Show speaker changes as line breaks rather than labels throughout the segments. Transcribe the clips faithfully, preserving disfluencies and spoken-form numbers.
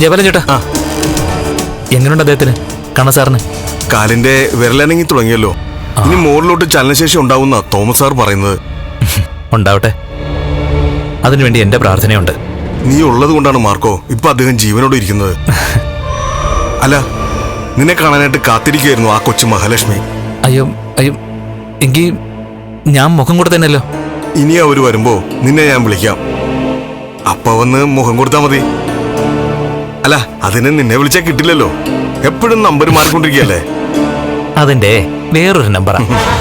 ജബലൻ ചേട്ടാ, എങ്ങനെയുണ്ട് അദ്ദേഹത്തിന്? കണ്ണ സാറിന്
കാലിന്റെ വിരലനങ്ങി തുടങ്ങിയല്ലോ. ഇനി മോറിലോട്ട് ചലനശേഷി ഉണ്ടാവുന്ന തോമസ് സാർ പറയുന്നത്.
ഉണ്ടാവട്ടെ, അതിനുവേണ്ടി എന്റെ പ്രാർത്ഥനയുണ്ട്.
നീ ഉള്ളത് കൊണ്ടാണ് മാർക്കോ ഇപ്പൊ അദ്ദേഹം ജീവനോട് ഇരിക്കുന്നത്. അല്ല, നിന്നെ കാണാനായിട്ട് കാത്തിരിക്കുകയായിരുന്നു ആ കൊച്ചു മഹാലക്ഷ്മി.
അയ്യോ അയ്യോ, എങ്കിൽ ഞാൻ മുഖം കൂടെ തന്നെയല്ലോ.
ഇനി അവര് വരുമ്പോ നിന്നെ ഞാൻ വിളിക്കാം. അപ്പ വന്ന് മുഖം കൊടുത്താ മതി. അല്ല, അതിന് നിന്നെ വിളിച്ചാൽ കിട്ടില്ലല്ലോ. എപ്പോഴും നമ്പർ മാറിക്കൊണ്ടിരിക്കുകയല്ലേ.
അതിന്റെ വേറൊരു നമ്പറാ.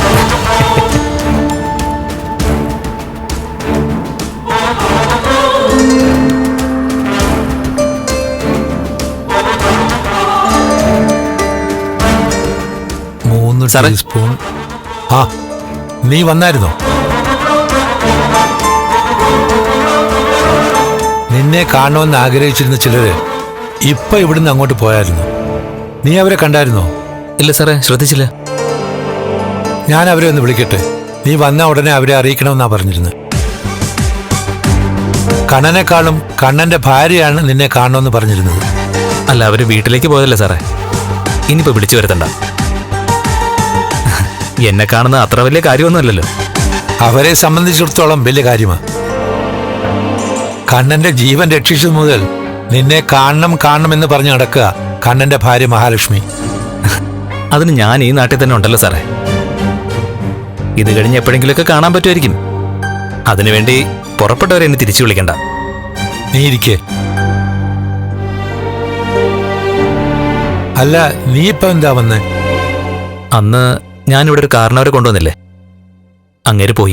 മൂന്ന് ടീസ്പൂൺ. ആ, നീ വന്നായിരുന്നോ? നിന്നെ കാണണമെന്ന് ആഗ്രഹിച്ചിരുന്ന ചിലര് ഇപ്പൊ ഇവിടുന്ന് അങ്ങോട്ട് പോയായിരുന്നു. നീ അവരെ കണ്ടായിരുന്നോ?
ഇല്ല സാറേ, ശ്രദ്ധിച്ചില്ല.
ഞാൻ അവരെ ഒന്ന് വിളിക്കട്ടെ. നീ വന്ന ഉടനെ അവരെ അറിയിക്കണമെന്നാ പറഞ്ഞിരുന്നത്. കണ്ണനെക്കാളും കണ്ണന്റെ ഭാര്യയാണ് നിന്നെ കാണണമെന്ന് പറഞ്ഞിരുന്നത്.
അല്ല, അവര് വീട്ടിലേക്ക് പോയതല്ലേ സാറേ. ഇനിയിപ്പോ വിളിച്ചു വരുത്തണ്ട. എന്നെ കാണുന്ന അത്ര വലിയ കാര്യമൊന്നുമല്ലല്ലോ.
അവരെ സംബന്ധിച്ചിടത്തോളം വലിയ കാര്യമാണ്. കണ്ണന്റെ ജീവൻ രക്ഷിച്ചത് മുതൽ നിന്നെ കാണണം കാണണം എന്ന് പറഞ്ഞു നടക്കുക കണ്ണന്റെ ഭാര്യ മഹാലക്ഷ്മി.
അതിന് ഞാൻ ഈ നാട്ടിൽ തന്നെ ഉണ്ടല്ലോ സാറേ. ഇത് കഴിഞ്ഞ് എപ്പോഴെങ്കിലുമൊക്കെ കാണാൻ പറ്റുമായിരിക്കും. അതിനുവേണ്ടി പുറപ്പെട്ടവരെ എന്നെ തിരിച്ചു വിളിക്കണ്ട.
നീ ഇരിക്കേ. അല്ല, നീ ഇപ്പൊ എന്താ വന്നേ?
അന്ന് ഞാനിവിടെ ഒരു കാരണവരെ കൊണ്ടുവന്നില്ലേ, അങ്ങേര് പോയി.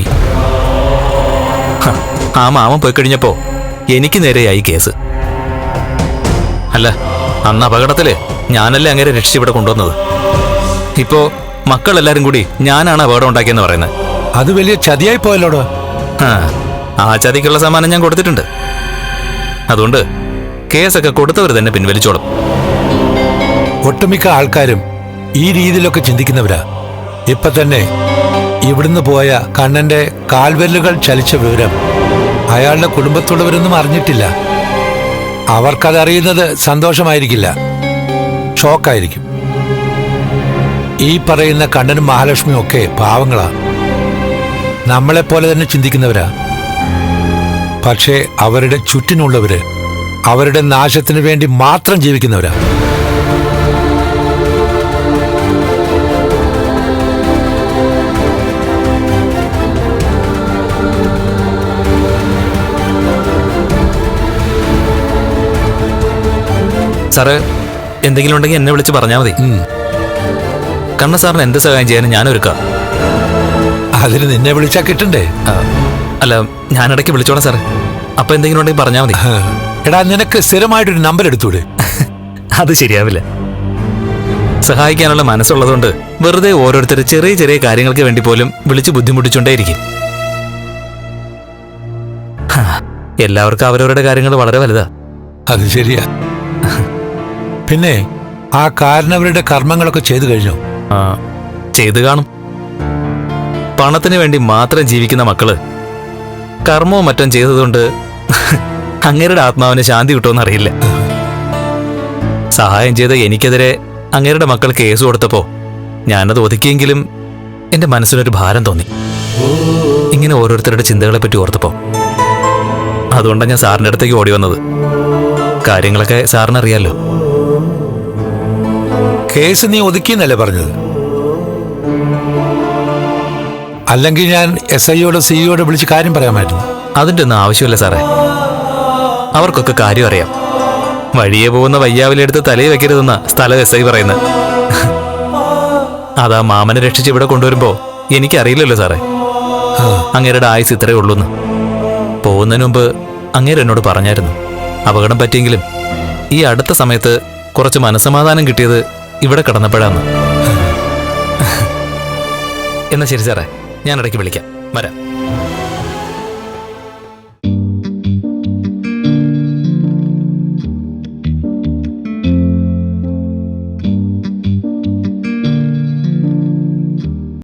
ആ മാമൻ പോയി കഴിഞ്ഞപ്പോ എനിക്ക് നേരെയായി കേസ്. അല്ല, അന്ന് അപകടത്തില് ഞാനല്ലേ അങ്ങേരെ രക്ഷിച്ച് ഇവിടെ കൊണ്ടുവന്നത്. ഇപ്പോ മക്കളെല്ലാരും കൂടി ഞാനാണ് അപകടം ഉണ്ടാക്കിയെന്ന് പറയുന്നത്.
അത് വലിയ ചതിയായി പോയല്ലോടോ.
ആ ചതിക്കുള്ള സമ്മാനം ഞാൻ കൊടുത്തിട്ടുണ്ട്. അതുകൊണ്ട് കേസൊക്കെ കൊടുത്തവർ തന്നെ പിൻവലിച്ചോളും.
ഒട്ടുമിക്ക ആൾക്കാരും ഈ രീതിയിലൊക്കെ ചിന്തിക്കുന്നവരാ. ഇപ്പൊ തന്നെ ഇവിടുന്ന് പോയ കണ്ണന്റെ കാൽവെല്ലുകൾ ചലിച്ച വിവരം അയാളുടെ കുടുംബത്തുള്ളവരൊന്നും അറിഞ്ഞിട്ടില്ല. അവർക്കതറിയുന്നത് സന്തോഷമായിരിക്കില്ല, ഷോക്കായിരിക്കും. ഈ പറയുന്ന കണ്ണനും മഹാലക്ഷ്മിയും ഒക്കെ പാവങ്ങളാ, നമ്മളെപ്പോലെ തന്നെ ചിന്തിക്കുന്നവരാ. പക്ഷേ അവരുടെ ചുറ്റിനുള്ളവര് അവരുടെ നാശത്തിനു വേണ്ടി മാത്രം ജീവിക്കുന്നവരാ.
സാറ് എന്തെങ്കിലും ഉണ്ടെങ്കിൽ എന്നെ വിളിച്ച് പറഞ്ഞാൽ മതി. കണ്ണ സാറിന് എന്ത് സഹായം ചെയ്യാനും ഞാനൊരുക്കാം.
അതിന് നിന്നെ വിളിച്ചാ കിട്ടണ്ടേ?
അല്ല, ഞാനിടയ്ക്ക് വിളിച്ചോളാം സാറ്. അപ്പൊ എന്തെങ്കിലും ഉണ്ടെങ്കിൽ പറഞ്ഞാൽ മതി.
എടാ, നിനക്ക് സ്ഥിരമായിട്ടൊരു നമ്പർ എടുത്തൂടെ?
അത് ശരിയാവില്ല. സഹായിക്കാനുള്ള മനസ്സുള്ളതുകൊണ്ട് വെറുതെ ഓരോരുത്തർ ചെറിയ ചെറിയ കാര്യങ്ങൾക്ക് വേണ്ടി പോലും വിളിച്ച് ബുദ്ധിമുട്ടിച്ചുകൊണ്ടേയിരിക്കും. എല്ലാവർക്കും അവരവരുടെ കാര്യങ്ങൾ വളരെ വലുതാ.
അത് ശരിയാ. പിന്നെ ആ കാരണവരുടെ കർമ്മങ്ങളൊക്കെ ചെയ്തു കഴിഞ്ഞോ?
ആ, ചെയ്തു കാണും. പണത്തിന് വേണ്ടി മാത്രം ജീവിക്കുന്ന മക്കള് കർമ്മവും മറ്റും ചെയ്തതുകൊണ്ട് അങ്ങേരുടെ ആത്മാവിന് ശാന്തി കിട്ടുമെന്ന് അറിയില്ല. സഹായം ചെയ്ത എനിക്കെതിരെ അങ്ങേരുടെ മക്കൾ കേസ് കൊടുത്തപ്പോ ഞാനത് ഒതുക്കിയെങ്കിലും എന്റെ മനസ്സിനൊരു ഭാരം തോന്നി. ഇങ്ങനെ ഓരോരുത്തരുടെ ചിന്തകളെ പറ്റി ഓർത്തപ്പോ അതുകൊണ്ടാണ് ഞാൻ സാറിന്റെ അടുത്തേക്ക് ഓടി വന്നത്. കാര്യങ്ങളൊക്കെ സാറിനറിയാലോ.
കേസ് നീ ഒതുക്കിയെന്നല്ലേ പറഞ്ഞത്? അല്ലെങ്കിൽ ഞാൻ എസ് ഐയോട് സിഇയോട് വിളിച്ച് കാര്യം പറയാമായിരുന്നു.
അതിൻ്റെ ഒന്നും ആവശ്യമില്ല സാറേ. അവർക്കൊക്കെ കാര്യം അറിയാം. വഴിയെ പോകുന്ന വയ്യാവിലെടുത്ത് തലയിൽ വെക്കരുതെന്ന സ്ഥലം എസ് ഐ പറയുന്നത്. അതാ മാമനെ രക്ഷിച്ച് ഇവിടെ കൊണ്ടുവരുമ്പോ എനിക്കറിയില്ലല്ലോ സാറേ അങ്ങേരുടെ ആയുസ് ഇത്രയേ ഉള്ളൂന്ന്. പോകുന്നതിന് മുമ്പ് അങ്ങേര് എന്നോട് പറഞ്ഞായിരുന്നു അപകടം പറ്റിയെങ്കിലും ഈ അടുത്ത സമയത്ത് കുറച്ച് മനസ്സമാധാനം കിട്ടിയത് ഇവിടെ കിടന്നപ്പോഴാന്ന്. എന്നാ ശരി സാറേ, ഞാൻ ഇടയ്ക്ക് വിളിക്കാം. വരാം.